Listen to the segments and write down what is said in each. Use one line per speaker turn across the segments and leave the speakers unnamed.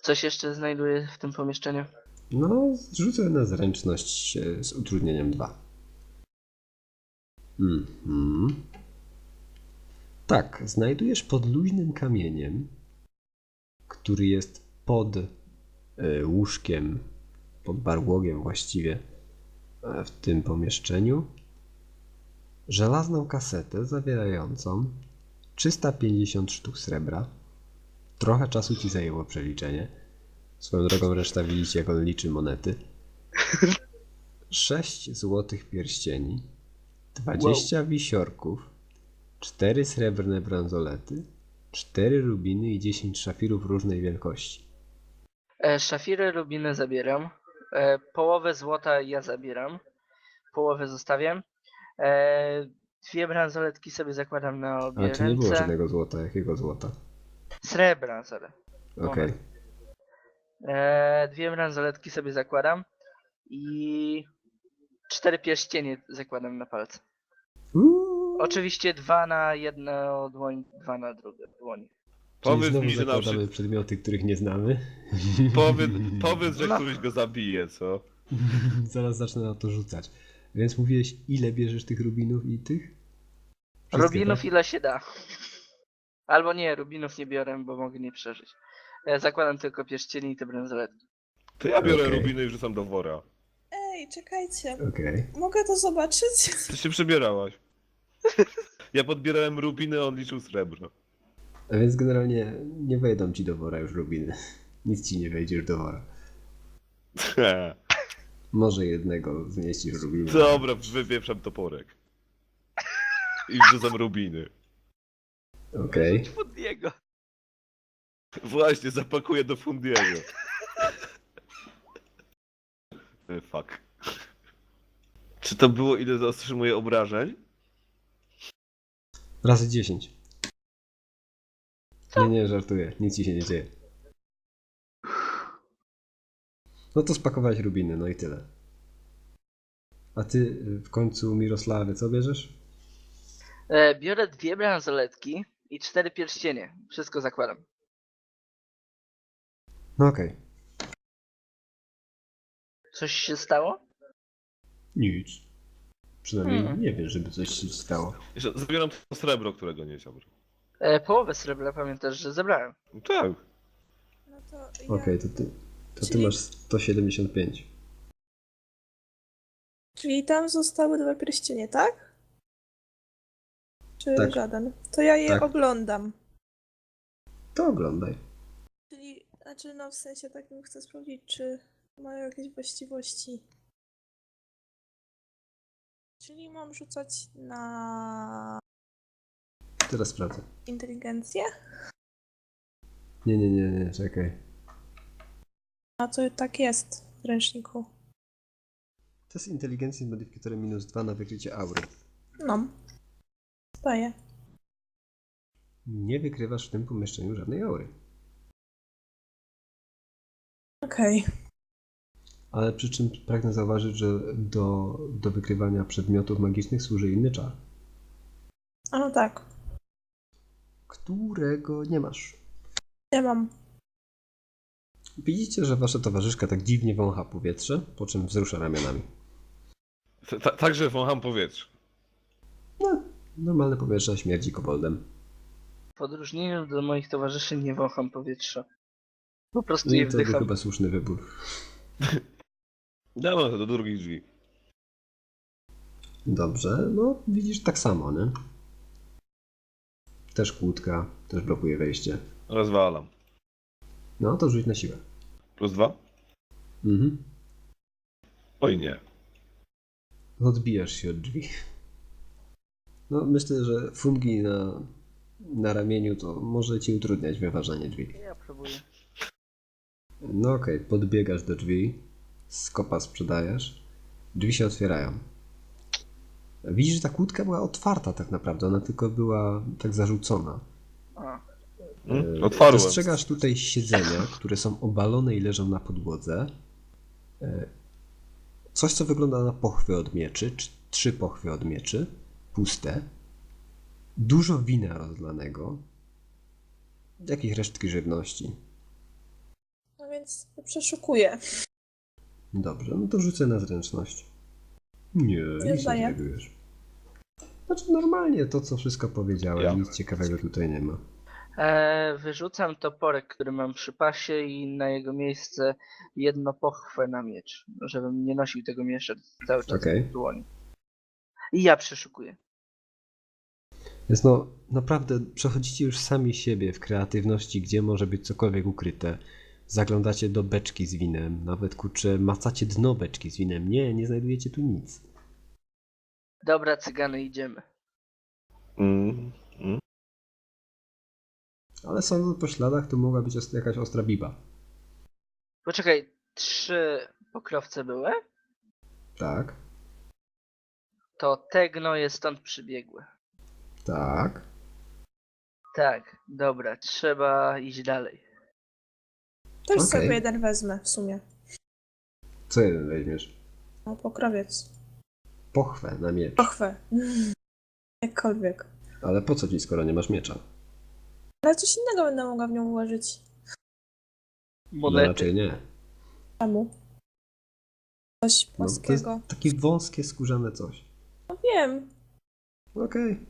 Coś jeszcze znajduję w tym pomieszczeniu?
No, rzucę na zręczność z utrudnieniem 2. Tak, znajdujesz pod luźnym kamieniem, który jest pod łóżkiem, pod barłogiem właściwie w tym pomieszczeniu, żelazną kasetę zawierającą 350 sztuk srebra. Trochę czasu ci zajęło przeliczenie. Swoją drogą reszta widzicie, jak on liczy monety. 6 złotych pierścieni, 20 wisiorków, 4 srebrne bransolety, 4 rubiny i 10 szafirów różnej wielkości.
Szafiry, rubiny zabieram. Połowę złota ja zabieram. Połowę zostawiam. 2 bransoletki sobie zakładam na
A
obie
tu nie było
ręce.
żadnego złota. Jakiego złota?
Srebra, sorry.
Okej.
2 bransoletki sobie zakładam. I 4 pierścienie zakładam na palce. Oczywiście 2 na jedną dłoń, 2 na drugą dłoń.
Czyli
Powiedz
znowu
mi, że na
zakładamy
przykład...
przedmioty, których nie znamy.
Powiedz, że
No.
któryś go zabije, co?
Zaraz zacznę na to rzucać. Więc mówiłeś, ile bierzesz tych rubinów i tych? Wszystkie,
Rubinów
tak?
ile się da. Albo nie, rubinów nie biorę, bo mogę nie przeżyć. Zakładam tylko pierścienie i te bransoletki.
To ja biorę
Okej.
rubiny i wrzucam do wora.
Ej, czekajcie.
Okej.
Mogę to zobaczyć?
Ty się przebierałaś. Ja podbierałem rubiny, a on liczył srebro.
A więc generalnie nie wejdą ci do wora już rubiny. Nic ci nie wejdziesz do wora. Może jednego zmieścisz rubinę.
Dobra, wypieprzam toporek. I wrzucam rubiny.
Okej.
Rzuć pod niego.
Właśnie, zapakuję do Fundiego. Fuck. Czy to było, ile zaotrzymuje obrażeń?
Razy 10. Nie, żartuję. Nic ci się nie dzieje. No to spakowałeś rubiny, no i tyle. A ty w końcu, Mirosławie, co bierzesz?
Biorę 2 bransoletki i 4 pierścienie. Wszystko zakładam.
No okej.
Coś się stało?
Nic. Przynajmniej
Hmm.
nie wiem, żeby coś się stało.
Jeszcze zabieram to srebro, którego nie chciałbym.
Połowę srebra pamiętasz, że zebrałem.
No tak.
No to ja...
Okej, to ty
Czyli-
masz 175.
Czyli tam zostały 2 pierścienie, tak? Czy
Tak.
żaden? To ja je
Tak.
oglądam.
To oglądaj.
Czyli, znaczy no w sensie takim chcę sprawdzić, czy mają jakieś właściwości. Czyli mam rzucać na
Teraz sprawdzę.
inteligencję?
Nie, czekaj.
A to tak jest w ręczniku.
Test inteligencji z modyfikatorem -2 na wykrycie aury.
No. Staję.
Nie wykrywasz w tym pomieszczeniu żadnej aury.
Okej.
Ale przy czym pragnę zauważyć, że do wykrywania przedmiotów magicznych służy inny czar,
A no tak.
którego nie masz.
Nie mam.
Widzicie, że wasza towarzyszka tak dziwnie wącha powietrze, po czym wzrusza ramionami.
Także wącham powietrze.
No, normalne powietrze śmierdzi koboldem.
W odróżnieniu do moich towarzyszy nie wącham powietrza. Po prostu
No
je
i to był
wdycham.
chyba słuszny wybór.
Damy to do drugich drzwi.
Dobrze, no widzisz tak samo, nie? Też kłódka, też blokuje wejście.
Rozwalam.
No to rzuć na siłę.
+2?
Mhm.
Oj nie.
Odbijasz się od drzwi. No myślę, że fungi na ramieniu to może ci utrudniać wyważanie drzwi.
Ja próbuję.
No okej, podbiegasz do drzwi, z kopa sprzedajesz, drzwi się otwierają. Widzisz, że ta kłódka była otwarta tak naprawdę, ona tylko była tak zarzucona.
A,
Otwarłem.
Dostrzegasz tutaj siedzenia, które są obalone i leżą na podłodze. Coś, co wygląda na pochwy od mieczy, 3 pochwy od mieczy, puste. Dużo wina rozlanego. Jakieś resztki żywności.
więc przeszukuję.
Dobrze, no to rzucę na zręczność. Nie, nic nie
zdaję.
znajdujesz. Znaczy normalnie to, co wszystko powiedziałem,
Ja.
nic ciekawego tutaj nie ma.
Wyrzucam toporek, który mam przy pasie i na jego miejsce jedno pochwę na miecz, żebym nie nosił tego miecza cały czas
Okej.
w dłoni. I ja przeszukuję.
Więc no, naprawdę przechodzicie już sami siebie w kreatywności, gdzie może być cokolwiek ukryte. Zaglądacie do beczki z winem, nawet kurczę, macacie dno beczki z winem. Nie znajdujecie tu nic.
Dobra, cygany, idziemy.
Mm.
Ale sądząc po śladach, to mogła być jakaś ostra biba.
Poczekaj, 3 pokrowce były?
Tak,
To te gnoje stąd przybiegły.
tak.
Tak, dobra, trzeba iść dalej.
Też
Okej.
sobie jeden wezmę w sumie.
Co jeden weźmiesz?
No, pokrowiec.
Pochwę na miecz.
Pochwę. Jakkolwiek.
Ale po co ci, skoro nie masz miecza?
Ale coś innego będę mogła w nią ułożyć.
No
Monety.
raczej nie.
Czemu? Coś
No, to jest
płaskiego.
takie wąskie, skórzane coś.
No wiem.
Okej.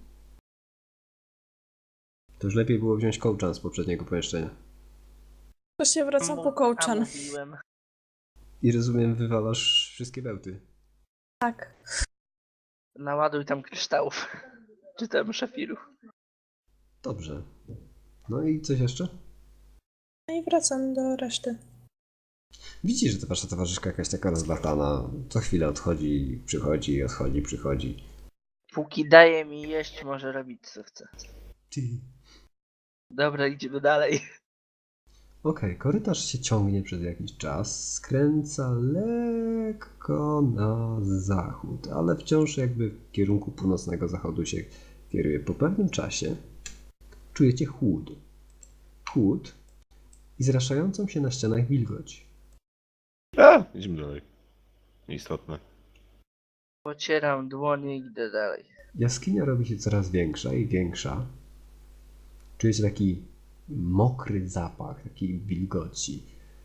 To już lepiej było wziąć kołczan z poprzedniego pomieszczenia.
To się wracam po
A
kołczan.
mówiłem.
I rozumiem, wywalasz wszystkie bełty.
Tak.
Naładuj tam kryształów. Czy tam szafirów.
Dobrze. No i coś jeszcze?
No i wracam do reszty.
Widzisz, że ta wasza towarzyszka jakaś taka rozlatana. Co chwilę odchodzi, przychodzi, odchodzi, przychodzi.
Póki daje mi jeść, może robić co chce.
Ty.
Dobra, idziemy dalej.
Okej, korytarz się ciągnie przez jakiś czas, skręca lekko na zachód, ale wciąż jakby w kierunku północnego zachodu się kieruje. Po pewnym czasie czujecie chłód. Chłód i zraszającą się na ścianach wilgoć.
Idziemy dalej. Nieistotne.
Pocieram dłonie i idę dalej.
Jaskinia robi się coraz większa i większa. Czujecie taki mokry zapach, takiej wilgoci.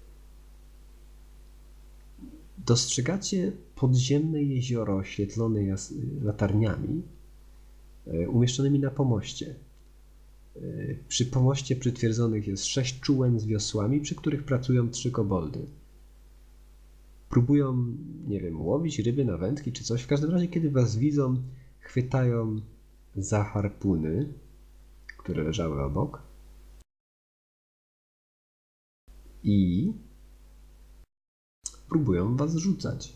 Dostrzegacie podziemne jezioro oświetlone latarniami umieszczonymi na pomoście. Przy pomoście przytwierdzonych jest 6 czułem z wiosłami, przy których pracują 3 koboldy. Próbują, nie wiem, łowić ryby na wędki czy coś. W każdym razie, kiedy was widzą, chwytają za harpuny, które leżały obok. I próbują was rzucać.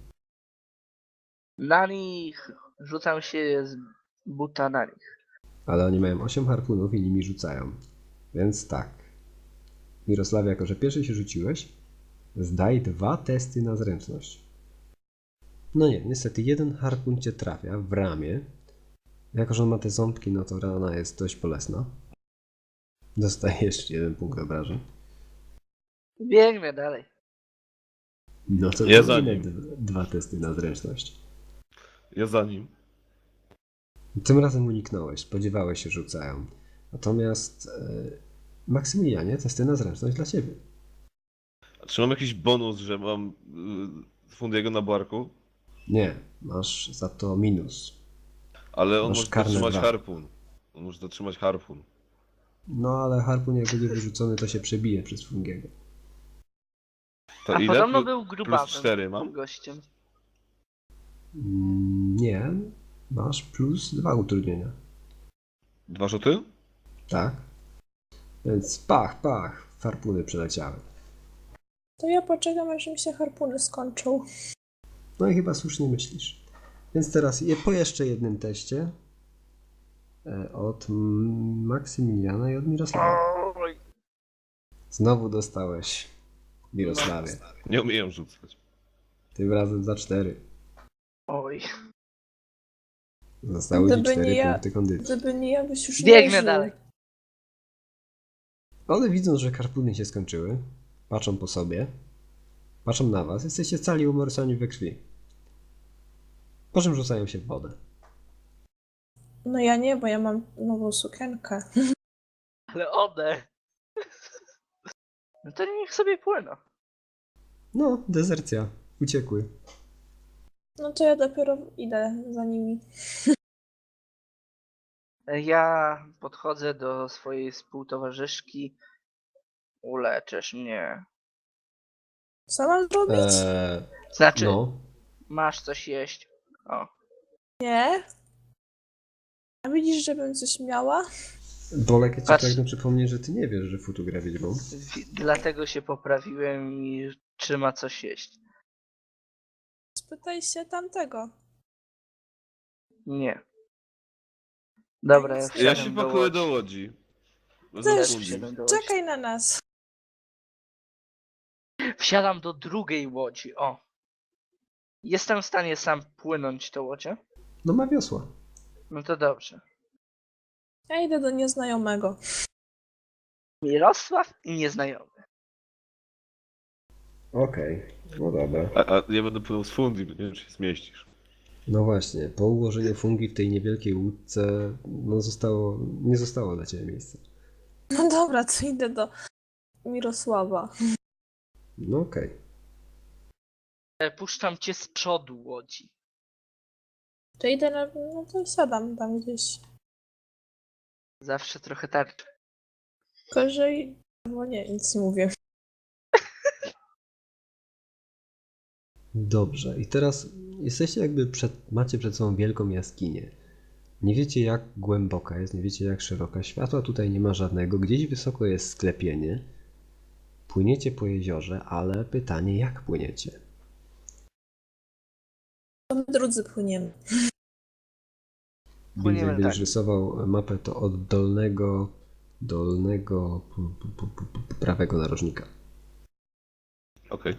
Na nich rzucam się z buta na nich.
Ale oni mają 8 harpunów i nimi rzucają. Więc tak. Mirosławie, jako że pierwszy się rzuciłeś, zdaj 2 testy na zręczność. No nie, niestety jeden harpun cię trafia w ramię. Jako że on ma te ząbki, no to rana jest dość bolesna. Dostajesz 1 punkt obrażeń.
Biegnę dalej.
No to
Ja za
kolejne
nim.
2 testy na zręczność.
Ja za nim.
Tym razem uniknąłeś, spodziewałeś się, że rzucają. Natomiast Maksymilianie, testy na zręczność dla ciebie.
A czy mam jakiś bonus, że mam Fundiego na barku?
Nie, masz za to minus.
Ale on
Masz
może
karne
zatrzymać
2.
harpun. On może zatrzymać harpun.
No ale harpun jak będzie wyrzucony, to się przebije przez Fungiego.
To
A
ile?
podobno był grubawym
plus 4 mam?
gościem.
Nie, masz plus 2 utrudnienia.
2 rzuty?
Tak? Więc pach, harpuny przeleciały.
To ja poczekam, aż mi się harpuny skończą.
No i chyba słusznie myślisz. Więc teraz po jeszcze jednym teście od Maksymiliana i od Mirosława.
Oj.
Znowu dostałeś, Mirosławie.
Nie umieją rzucać.
Tym razem za 4.
Oj.
Zostały ci
Gdyby
4
nie ja-
punkty kondycji.
Gdyby nie ja, byś już nie
Biegnę
żył.
dalej.
One widząc, że harpuny się skończyły, patrzą po sobie, patrzą na was, jesteście cali umorysani we krwi. Po czym rzucają się w wodę.
No ja nie, bo ja mam nową sukienkę.
Ale one. No to niech sobie płyną.
No, dezercja. Uciekły.
No to ja dopiero idę za nimi.
Ja podchodzę do swojej współtowarzyszki. Uleczysz mnie.
Co mam zrobić?
Znaczy,
No.
masz coś jeść. O.
Nie. A widzisz, żebym coś miała?
Bolek, ja ci
Patrz.
pragnę przypomnieć, że ty nie wiesz, że Futu gra wiedźmą.
Dlatego się poprawiłem i czy ma coś jeść.
Spytaj się tamtego.
Nie. Dobra, ja
Ja
wsiadam
Ja się
do
pakuję
łodzi.
do łodzi.
Też
Za Fundi.
Wsiadam do łodzi.
Czekaj na nas.
Wsiadam do drugiej łodzi. O. Jestem w stanie sam płynąć tą łodzią?
No ma wiosła.
No to dobrze.
Ja idę do nieznajomego.
Mirosław i nieznajomy.
Okej, no dobra.
A ja będę płynął z Fundi, bo nie wiem, czy się zmieścisz.
No właśnie, po ułożeniu fungi w tej niewielkiej łódce, no nie zostało dla ciebie miejsca.
No dobra, to idę do Mirosława.
No okej.
Puszczam cię z przodu łodzi.
To idę na... No to siadam tam gdzieś.
Zawsze trochę tarczy.
Gorzej... Bo nie, nic nie mówię.
Dobrze, i teraz jesteście macie przed sobą wielką jaskinię. Nie wiecie jak głęboka jest, nie wiecie jak szeroka. Światła tutaj nie ma żadnego, gdzieś wysoko jest sklepienie. Płyniecie po jeziorze, ale pytanie jak płyniecie?
To my drudzy płyniemy.
Więc
Płyniemy
jak będziesz
tak.
rysował mapę, to od dolnego prawego narożnika.
Okej.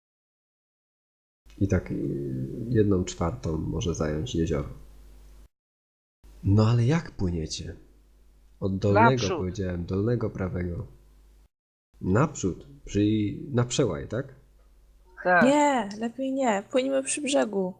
I tak 1/4 może zająć jezioro. No ale jak płyniecie? Od dolnego
Naprzód.
powiedziałem, dolnego prawego. Naprzód, czyli na przełaj, tak?
Tak.
Nie, lepiej nie. Płyniemy przy brzegu.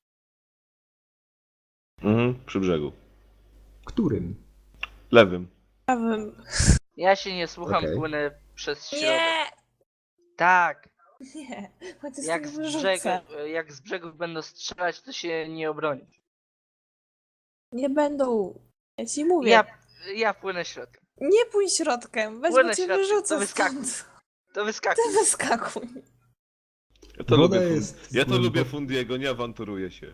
Przy brzegu.
Którym?
Lewym.
Prawym.
Ja się nie słucham,
Okej.
płynę przez środek.
Nie!
Tak.
Nie. Chodź, z
Jak
tego
z,
wyrzucę.
jak z brzegów będą strzelać, to się nie obronisz.
Nie będą. Ja ci mówię.
Ja płynę środkiem.
Nie pójdź środkiem. Weź,
Płynę
bo cię
środkiem,
wyrzucę
to wyskakuj.
stąd.
To wyskakuj.
Ty wyskakuj.
Ja to
Woda
lubię
jest
Ja to
głębo-
lubię Fundiego, nie awanturuję się.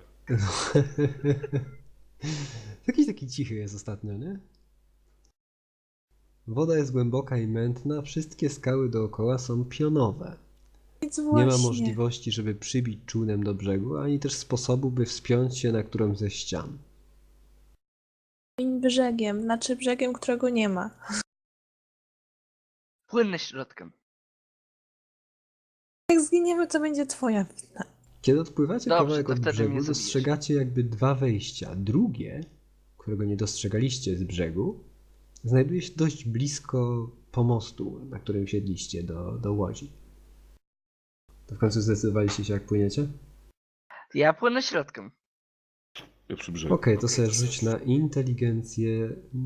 Jakiś taki cichy jest ostatnio, nie? Woda jest głęboka i mętna, wszystkie skały dookoła są pionowe.
Nic
Nie
właśnie.
ma możliwości, żeby przybić czółnem do brzegu, ani też sposobu, by wspiąć się na którąś ze ścian.
Płyń brzegiem. Znaczy brzegiem, którego nie ma.
Płynę środkiem.
Jak zginiemy, to będzie twoja wina.
Kiedy odpływacie
Dobrze,
kawałek
to
od
wtedy
brzegu,
mnie zabijesz.
dostrzegacie jakby 2 wejścia. Drugie, którego nie dostrzegaliście z brzegu, znajduje się dość blisko pomostu, na którym siedliście do łodzi. To w końcu zdecydowaliście się, jak płyniecie?
Ja płynę środkiem.
Ja przy brzegu.
Okej, to sobie rzuć na inteligencję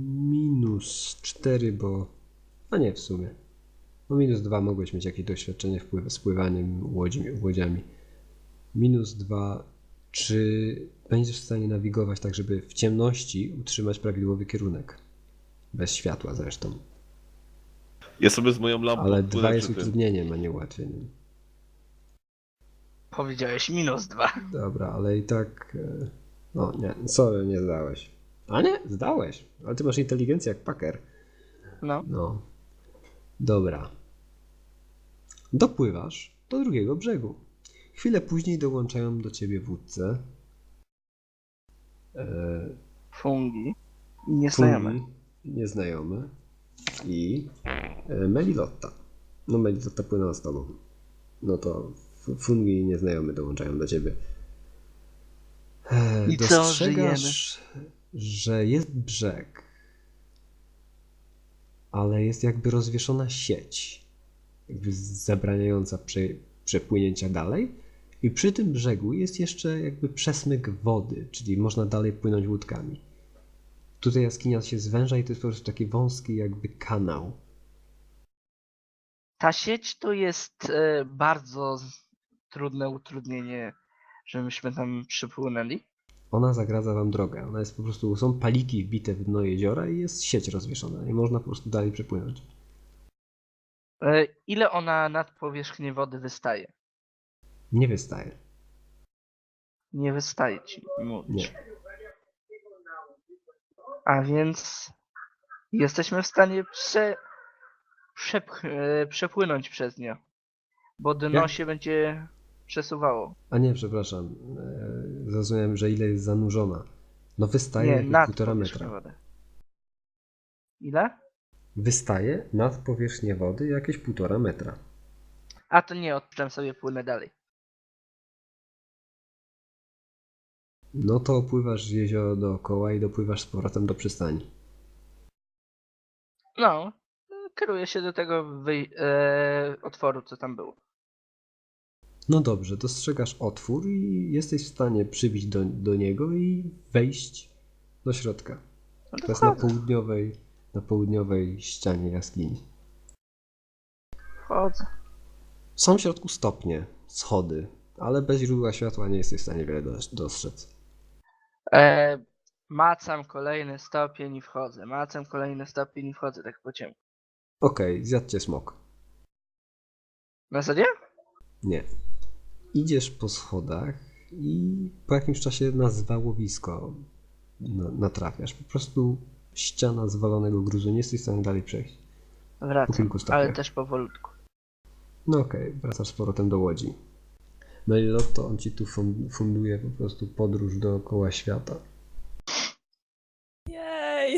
-4, bo... A nie, w sumie. No -2 mogłeś mieć jakieś doświadczenie z pływaniem łodziami. -2. Czy będziesz w stanie nawigować tak, żeby w ciemności utrzymać prawidłowy kierunek? Bez światła zresztą.
Ja sobie z moją lampą
Ale
płynę
2 jest
przy tym.
utrudnieniem, a nie ułatwieniem.
Powiedziałeś -2.
Dobra, ale i tak... No nie, sorry, nie zdałeś. A nie, zdałeś. Ale ty masz inteligencję jak paker.
No.
No. Dobra. Dopływasz do drugiego brzegu. Chwilę później dołączają do ciebie wódce.
Fungi. I nieznajomy.
Fungi, nieznajomy i Melilotta. No Melilotta płynęła z tobą. No to Fungi i nieznajomy dołączają do ciebie.
I co,
Dostrzegasz, że jest brzeg, ale jest jakby rozwieszona sieć, jakby zabraniająca przepłynięcia dalej. I przy tym brzegu jest jeszcze jakby przesmyk wody, czyli można dalej płynąć łódkami. Tutaj jaskinia się zwęża i to jest po prostu taki wąski jakby kanał.
Ta sieć to jest bardzo trudne utrudnienie, żebyśmy tam przypłynęli.
Ona zagradza wam drogę. Ona jest po prostu, są paliki wbite w dno jeziora i jest sieć rozwieszona. I można po prostu dalej przepłynąć.
Ile ona nad powierzchnię wody wystaje?
Nie wystaje.
Nie wystaje ci mówić.
Nie.
A więc jesteśmy w stanie przepłynąć przez nie. Bo dno
Jak?
się będzie przesuwało.
A nie, przepraszam. Zrozumiałem, że ile jest zanurzona. No wystaje
Nie,
jakieś
nad
1,5
powierzchnią
metra.
wody. Ile?
Wystaje nad powierzchnię wody jakieś 1,5 metra.
A to nie, odpuszczam sobie, płynę dalej.
No to opływasz jezioro dookoła i dopływasz z powrotem do przystani.
No, kieruję się do tego otworu, co tam było.
No dobrze, dostrzegasz otwór i jesteś w stanie przybić do niego i wejść do środka.
No
To
to
jest
wchodzę.
na południowej ścianie jaskini.
Wchodzę.
Są w środku stopnie, schody, ale bez źródła światła nie jesteś w stanie wiele dostrzec.
Macam kolejny stopień i wchodzę. Macam kolejny stopień i wchodzę, tak po ciemku.
Okej, zjadł cię smok.
Na zasadzie?
Nie. Idziesz po schodach i po jakimś czasie na zwałowisko natrafiasz. Po prostu ściana zwalonego gruzu, nie jesteś w stanie dalej przejść. Po
Wracam,
kilku
ale
stopniach.
też powolutku.
No okej, wracasz z powrotem do łodzi. No i Lotto, on ci tu funduje po prostu podróż dookoła świata.
Jej!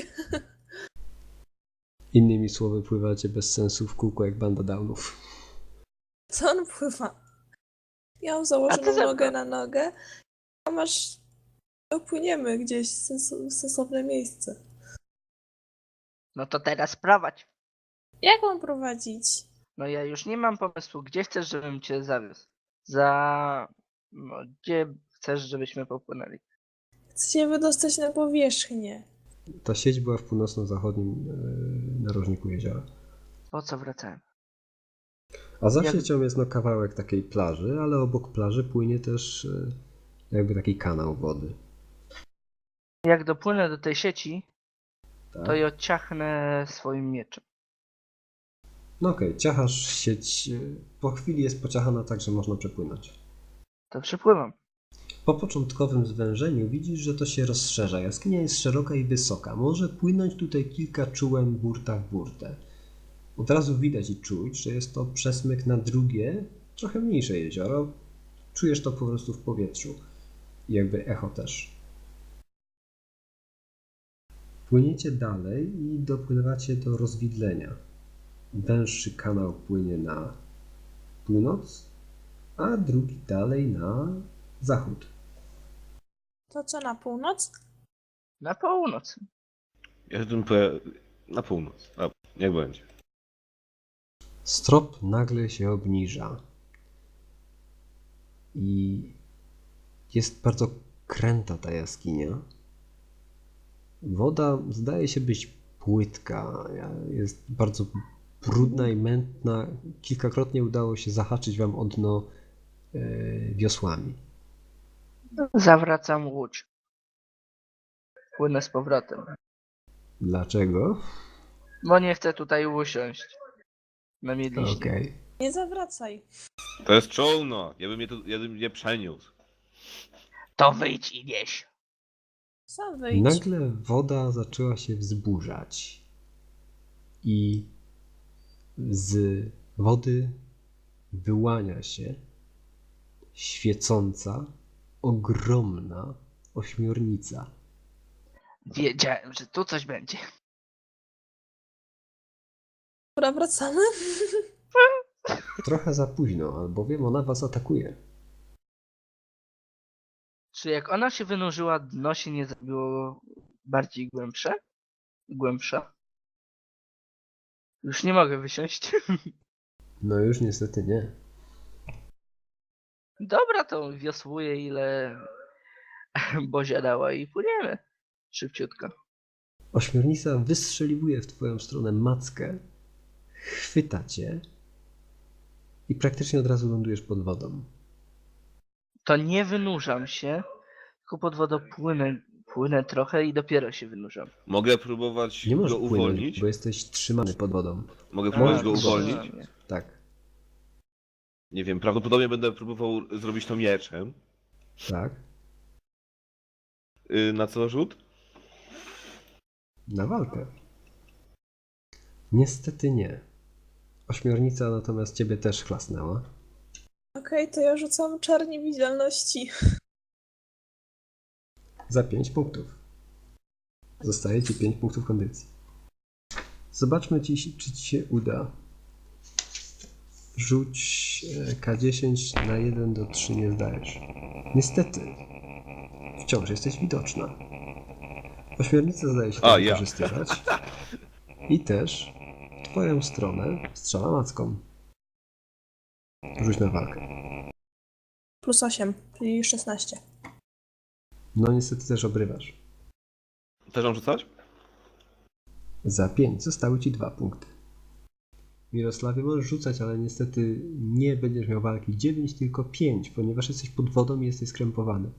Innymi słowy, pływacie bez sensu w kółko jak banda downów.
Co on pływa? Ja mam
A ty
założoną
zebra.
nogę na nogę, a masz... Dopłyniemy gdzieś w sensowne miejsce.
No to teraz prowadź.
Jak mam prowadzić?
No ja już nie mam pomysłu, gdzie chcesz, żebym cię zawiózł? No, gdzie chcesz, żebyśmy popłynęli?
Chcę się wydostać na powierzchnię.
Ta sieć była w północno-zachodnim narożniku jeziora.
Po co wracałem?
A za
Jak-
siecią jest no kawałek takiej plaży, ale obok plaży płynie też jakby taki kanał wody.
Jak dopłynę do tej sieci,
Tak?
to ją ciachnę swoim mieczem.
No okej, ciachasz sieć. Po chwili jest pociachana tak, że można przepłynąć.
To przypływam.
Po początkowym zwężeniu widzisz, że to się rozszerza. Jaskinia jest szeroka i wysoka. Może płynąć tutaj kilka czułem burta w burtę. Od razu widać i czuć, że jest to przesmyk na drugie, trochę mniejsze jezioro. Czujesz to po prostu w powietrzu. I jakby echo też. Płyniecie dalej i dopływacie do rozwidlenia. Węższy kanał płynie na północ, a drugi dalej na zachód.
To co, na północ?
Na północ.
Ja bym na północ. A, niech będzie.
Strop nagle się obniża i jest bardzo kręta ta jaskinia. Woda zdaje się być płytka, jest bardzo brudna i mętna. Kilkakrotnie udało się zahaczyć wam o dno wiosłami.
Zawracam łódź. Płynę z powrotem.
Dlaczego?
Bo nie chcę tutaj usiąść. Na miedliźnie.
Okej.
Nie zawracaj.
To jest czołno. Ja bym je przeniósł.
To wyjdź i nieś.
Sam wyjdź.
Nagle woda zaczęła się wzburzać i z wody wyłania się świecąca, ogromna ośmiornica.
Wiedziałem, że tu coś będzie.
Dobra, wracamy?
Trochę za późno, albowiem ona was atakuje.
Czy jak ona się wynurzyła, dno się nie zrobiło bardziej głębsze? Głębsze. Już nie mogę wysiąść.
No już niestety nie.
Dobra, to wiosłuję ile Bozia dała i płyniemy. Szybciutko.
Ośmiornica wystrzeliwuje w twoją stronę mackę, chwyta cię i praktycznie od razu lądujesz pod wodą.
To nie wynurzam się, tylko pod wodą płynę trochę i dopiero się wynurzam.
Mogę próbować
Nie możesz
go
płynąć,
uwolnić?
bo jesteś trzymany pod wodą.
Mogę
A,
próbować go
trzyma
uwolnić?
mnie.
Tak,
Nie wiem, prawdopodobnie będę próbował zrobić to mieczem.
tak.
Na co rzut?
Na walkę. Niestety nie. Ośmiornica natomiast ciebie też chlasnęła.
Okej, to ja rzucam czar niewidzialności.
Za 5 punktów. Zostaje ci 5 punktów kondycji. Zobaczmy, czy ci się uda. Rzuć K10 na 1 do 3 nie zdajesz. Niestety. Wciąż jesteś widoczna. Ośmiornica zdaje się to
Ja.
wykorzystywać. I też w twoją stronę strzela macką. Rzuć na walkę.
Plus 8, czyli 16.
No niestety też obrywasz.
Też mam rzucać?
Za 5 zostały ci 2 punkty. Mirosławie, możesz rzucać, ale niestety nie będziesz miał walki 9, tylko 5, ponieważ jesteś pod wodą i jesteś skrępowany.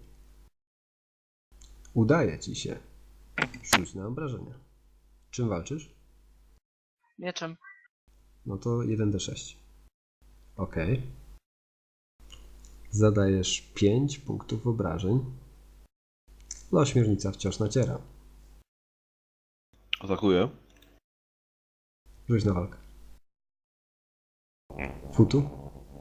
Udaje ci się. Rzuć na obrażenia. Czym walczysz?
Mieczem.
No to 1d6. Ok. Zadajesz 5 punktów obrażeń. No, ośmiornica wciąż naciera.
Atakuję.
Rzuć na walkę. Futu?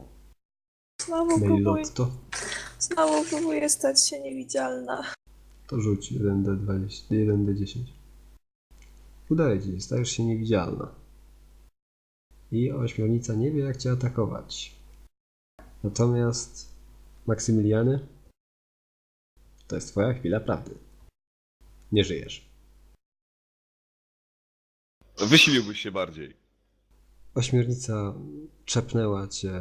Znowu próbuję stać się niewidzialna.
To rzuć 1d20, 1d10. Udaje ci się, stajesz się niewidzialna. I ośmiornica nie wie, jak cię atakować. Natomiast Maksymiliany, to jest twoja chwila prawdy. Nie żyjesz.
Wysiliłbyś się bardziej.
Ośmiornica czepnęła cię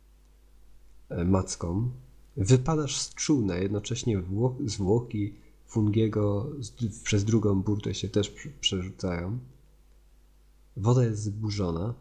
macką. Wypadasz z czółna, jednocześnie zwłoki Fungiego przez drugą burtę się też przerzucają. Woda jest zburzona.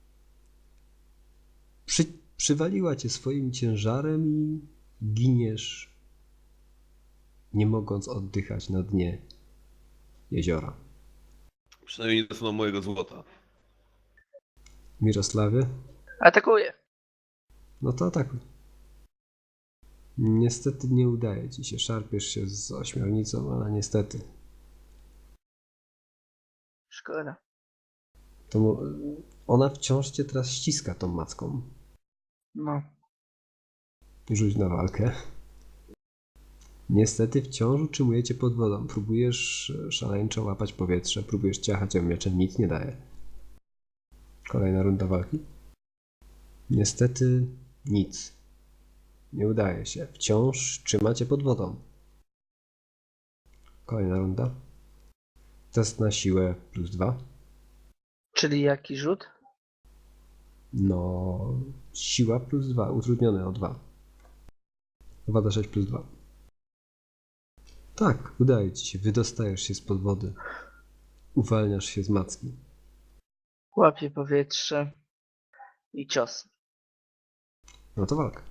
Przywaliła cię swoim ciężarem i giniesz, nie mogąc oddychać na dnie jeziora.
Przynajmniej nie dostaną mojego złota.
Mirosławie?
Atakuję.
No to atakuj. Niestety nie udaje ci się. Szarpiesz się z ośmiornicą, ale niestety.
Szkoda.
Ona wciąż cię teraz ściska tą macką.
No.
Rzuć na walkę. Niestety wciąż utrzymujecie pod wodą. Próbujesz szaleńczo łapać powietrze, próbujesz ciachać ją mieczem, nic nie daje. Kolejna runda walki. Niestety nic. Nie udaje się. Wciąż trzymacie pod wodą. Kolejna runda. Test na siłę +2.
Czyli jaki rzut?
No, siła +2, utrudnione o 2. 2d6 +2. Tak, udaje ci się, wydostajesz się spod wody. Uwalniasz się z macki.
Łapię powietrze i cios.
No to walka.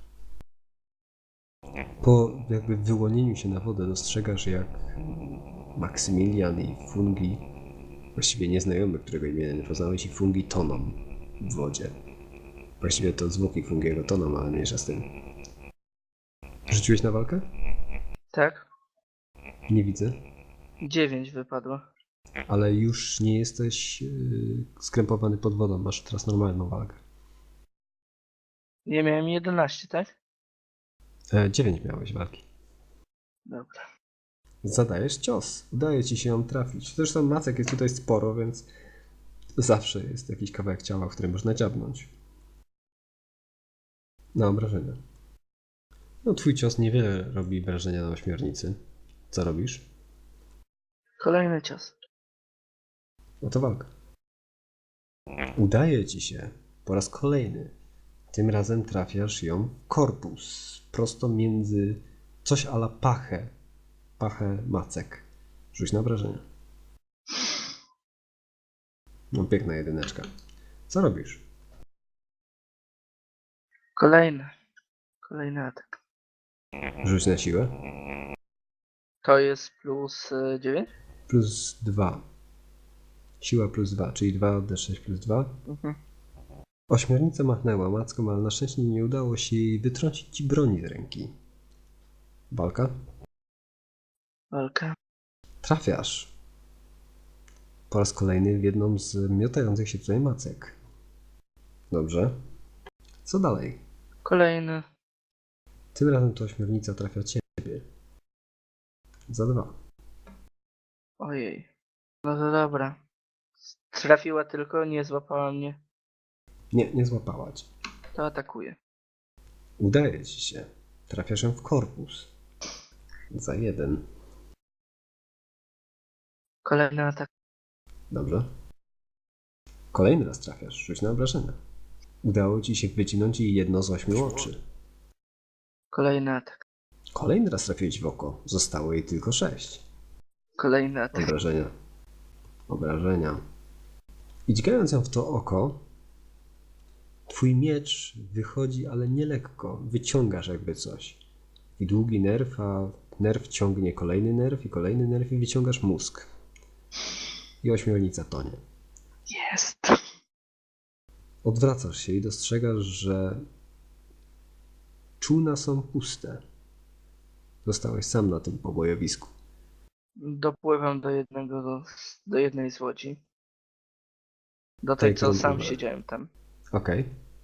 Po jakby wyłonieniu się na wodę dostrzegasz, jak Maksymilian i Fungi, właściwie nieznajomy, którego imienia nie poznałeś, i Fungi toną w wodzie. Właściwie to zwłoki Fungiego toną, ale mniejsza z tym. Rzuciłeś na walkę?
Tak?
Nie widzę.
9 wypadło.
Ale już nie jesteś skrępowany pod wodą, masz teraz normalną walkę.
Ja miałem 11, tak?
9 miałeś walki.
Dobra.
Zadajesz cios. Udaje ci się ją trafić. Zresztą macek jest tutaj sporo, więc zawsze jest jakiś kawałek ciała, w którym można dziabnąć. Na obrażenia. No twój cios niewiele robi wrażenia na ośmiornicy. Co robisz?
Kolejny cios.
No to walka. Udaje ci się po raz kolejny. Tym razem trafiasz ją w korpus. Prosto między coś a la pachę. Pachę macek. Rzuć na obrażenia. No piękna jedyneczka. Co robisz?
Kolejny atak.
Rzuć na siłę.
To jest plus 9?
Plus 2. Siła plus 2, czyli 2d6 plus 2.
Mhm.
Ośmiornica machnęła macką, ale na szczęście nie udało się jej wytrącić ci broni z ręki. Walka?
Walka.
Trafiasz. Po raz kolejny w jedną z miotających się tutaj macek. Dobrze. Co dalej?
Kolejny.
Tym razem to ośmiornica trafia ciebie. Za 2.
Ojej. No to dobra. Trafiła tylko, nie złapała mnie.
Nie, nie złapała cię.
To atakuje.
Udaje ci się. Trafiasz ją w korpus. Za 1.
Kolejny atak.
Dobrze. Kolejny raz trafiasz. Rzuć na obrażenia. Udało ci się wycinąć jej jedno z 8 oczy.
Kolejny atak.
Kolejny raz trafiłeś w oko. Zostało jej tylko 6.
Kolejny atak.
Obrażenia. Obrażenia. I dźgając ją w to oko, twój miecz wychodzi, ale nie lekko. Wyciągasz jakby coś. I długi nerw, a nerw ciągnie kolejny nerw i kolejny nerw i wyciągasz mózg. I ośmiornica tonie.
Jest.
Odwracasz się i dostrzegasz, że czółna są puste. Zostałeś sam na tym pobojowisku.
Dopływam do jednej z łodzi. Do tej, co
którą
sam
pływałeś.
siedziałem tam.
Okej.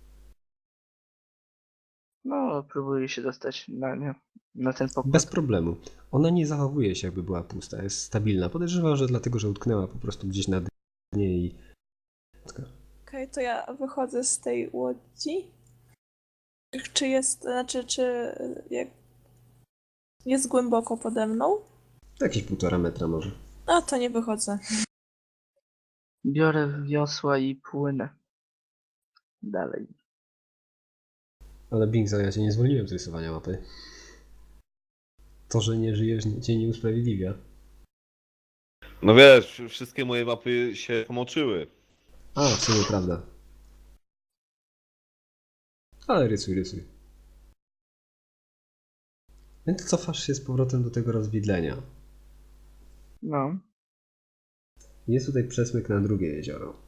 No, próbuję się dostać na nią. Na ten pokład.
Bez problemu. Ona nie zachowuje się, jakby była pusta. Jest stabilna. Podejrzewam, że dlatego, że utknęła po prostu gdzieś na dnie i...
Okej, to ja wychodzę z tej łodzi. Czy jest, znaczy, czy jak jest głęboko pode mną?
Jakieś 1,5 metra może.
No to nie wychodzę.
Biorę wiosła i płynę. Dalej.
Ale Bingzo, ja cię nie zwolniłem z rysowania mapy. To, że nie żyjesz, cię nie usprawiedliwia.
No wiesz, wszystkie moje mapy się pomoczyły.
A, w sumie prawda. Ale rysuj, rysuj. Więc cofasz się z powrotem do tego rozwidlenia.
No.
Jest tutaj przesmyk na drugie jezioro.